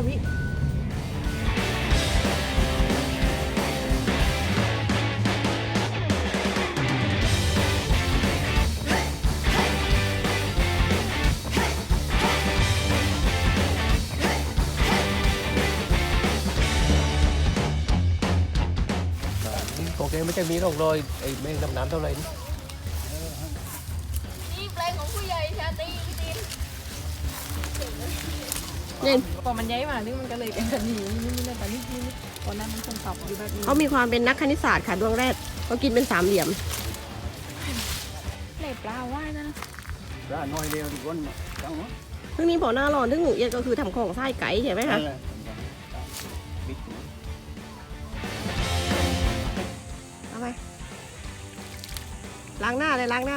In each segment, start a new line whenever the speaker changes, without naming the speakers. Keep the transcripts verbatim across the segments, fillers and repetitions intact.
วิ
โอเคไม่ใช่มีร่องรอยไอ้แมงดำน้ำเท่าไหร่นี่
นี่แปลงของผู้ใหญ่ชาตรีพี่ดิน
เนี่ย
พอมันย้ายมานี่มันก็เลยเป็นแบบนี้นี่นี่แต่นี่นี่ตอนนั้นมันคงตอบอยู่แบบนี้
เขามีความเป็นนักคณิตศาสตร์ค่ะดวงแรกเขากินเป็นสามเหลี่ยม
เล็บปลาว่านะ
ra nói đều thì con chẳng nó
ซึ่งนี้พอหน้าร้อนซึ่งเอียดก็คือทำของไส้ไก่ใช่ไหมคะเอาไปล้างหน้าเลยล้างหน้า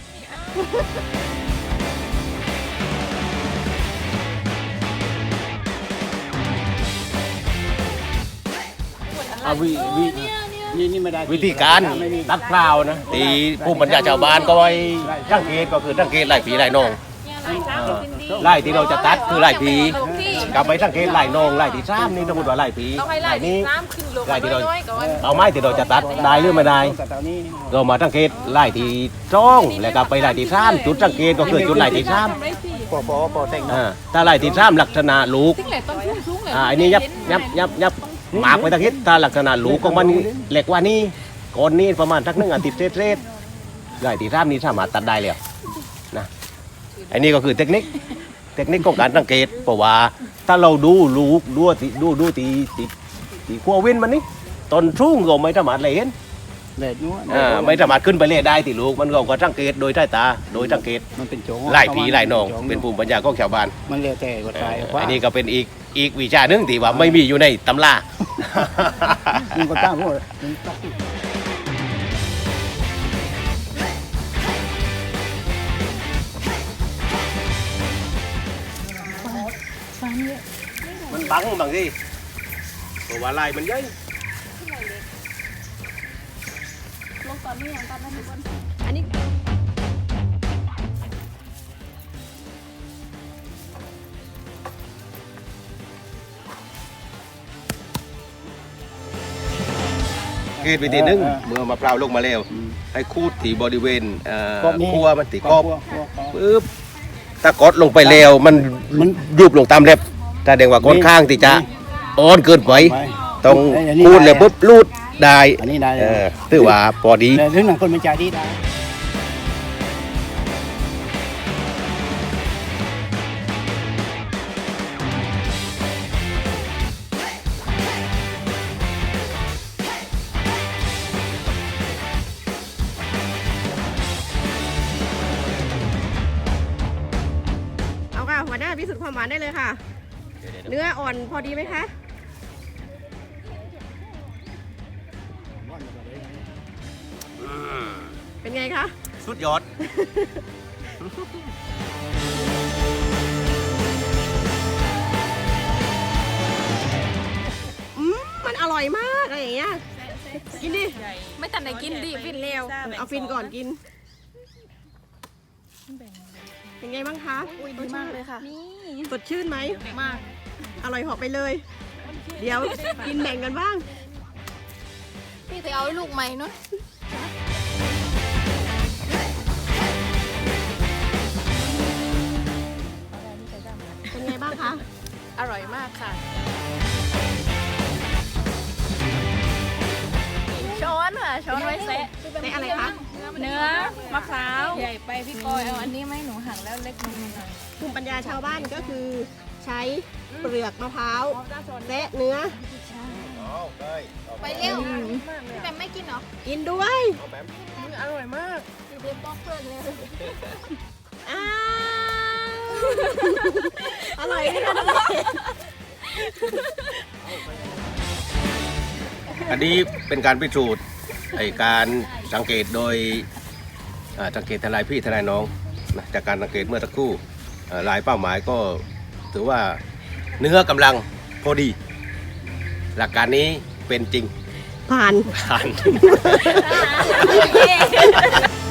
à vì vìนี่นี่ไม่ได้
วิธีการตัดเปล่านะตีผู้บรรยาชาวบ้านก็ไว้สังเกตก็คือสังเกตไล่ผีไล่นองไล่ที่เราจะตัดคือไล่ผีกลับไปสังเกตไล่นองไล่ที่ซ้ำนี่สมมติว่าไล่ผี
ต้องให้
ไล่
ไล่
นี้
น้ำขึ้นลง
ไล่ที่เรา
น้อยๆก่อน
เอาไม้ที่เราจะตัดได้หรือไม่ได้
แต่ตอนนี้
เรามาสังเกตไล่ที่จ้องแล้วก็ไปไล่ที่ซ้ำจุดสังเกตก็คือจุดไล่ที่ซ้
ปอปอปอแต่ง
ำอ่าถ้าไล่ที่ซ้ำลักษณะลูก
ซึ่งแหละต้นชุ่มชุ่มเลย
อ่าอันนี้ยับยับยับยับหมากไปตะคิดถ้าลักษณะลูกของมันเล็กกว่านี้ก่อนนี้ประมาณสักหนึ่งอาทิตย์เศษๆไล่ที่ซ้ำนี้สามารถตัดได้แล้วนะอันนี้ก็คือเทคนิคเทคนิคของการสังเกตเพราะว่าถ้าเราดูลูกดูตีดูดูตีตีตีขั้วเว้นมันนี่ตอนชุ่งก็ไม่สามารถเลยเห็น
เด็ดนู้น
อ่าไม่สามารถขึ้นไปเล่ได้ตีลูกมันก็ก็สังเกตโดยใต้ตาโดยสังเกต
มันเป็นโจง
ไล่ผีไล่นองเป็นภูมิปัญญาของชาวบ้าน
มันเรียกแต่กด
เอ่
ตาย
ออันนี้ก็เป็นอีกอีกวิชาหนึ่งที่ว่าไม่มีอยู่ในตำรา
มันก็ตั้งพวก
มันบังบางทีเพราะว่าลายมันเยอะ
ลงตอนนี้อย่างตอนนั้นทุกคน
อันนี้
เกตวิธีหนึงเมื่อมะพร้าวลงมาแล้วให้คูดที่บริเวณเอ่อคั่วมันตีกรอบปึ๊บถ้ากดลงไปแล้วมันมันยุบลงตามเล็บแสดงว่ากดข้างที่จะอ่อนเกินไปต้องคูดเลยปุ๊บรูดได้
อันนี้ได้
เออถือว่าพอดี
แต่ถึงหนังคนมันใจดีได้
เอาค่ะหัวหน้าพิสูจน์ความหวานได้เลยค่ะ เนื้ออ่อนพอดีไหมคะเป็นไงคะ
สุดยอด
อืมมันอร่อยมากอะไรอย่างเงี้ยกินดิ
ไม่ทันได้กินดิฟินเร็ว
เอาฟินก่อนกิน เป็นไงบ้างคะ
อุ้ยดีมากเลยค่ะ
สดชื่นไหมมาก อร่อยเหาะไปเลย เดี๋ยวกินแบ่งกันบ้าง
พี่จะเอาลูกใหม่เนาะ
เป็นไงบ้างคะ
อร่อยมากค่ะ
ช้อนค่ะช้อนไว้แซะ
ในอะไรคะ
เนื้อมะพร้าวใหญ่ไปพี่กอยเอาอันนี้ไหมหนูหั่นแล้วเล็กนิดหน่อย
ภูมิปัญญาชาวบ้านก็คือใช้เปลือกมะพร้าวและเนื้อ
ไปเร็วพี่แบมไม่กินเหรอ
กินด้วย
อร่อยมาก
พี่เบมบอกเพื่อนเลย
อ้าวอร่อยไหมคะน้องเอ๋
อันนี้เป็นการพิสูจน์ไอการสังเกตโดยอ่าสังเกตทลายพี่ทลายน้องนะจากการสังเกตเมื่อสักครู่เอ่อลายเป้าหมายก็ถือว่าเนื้อกำลังพอดี หลักการนี้เป็นจริง
ผ่าน
ผ่าน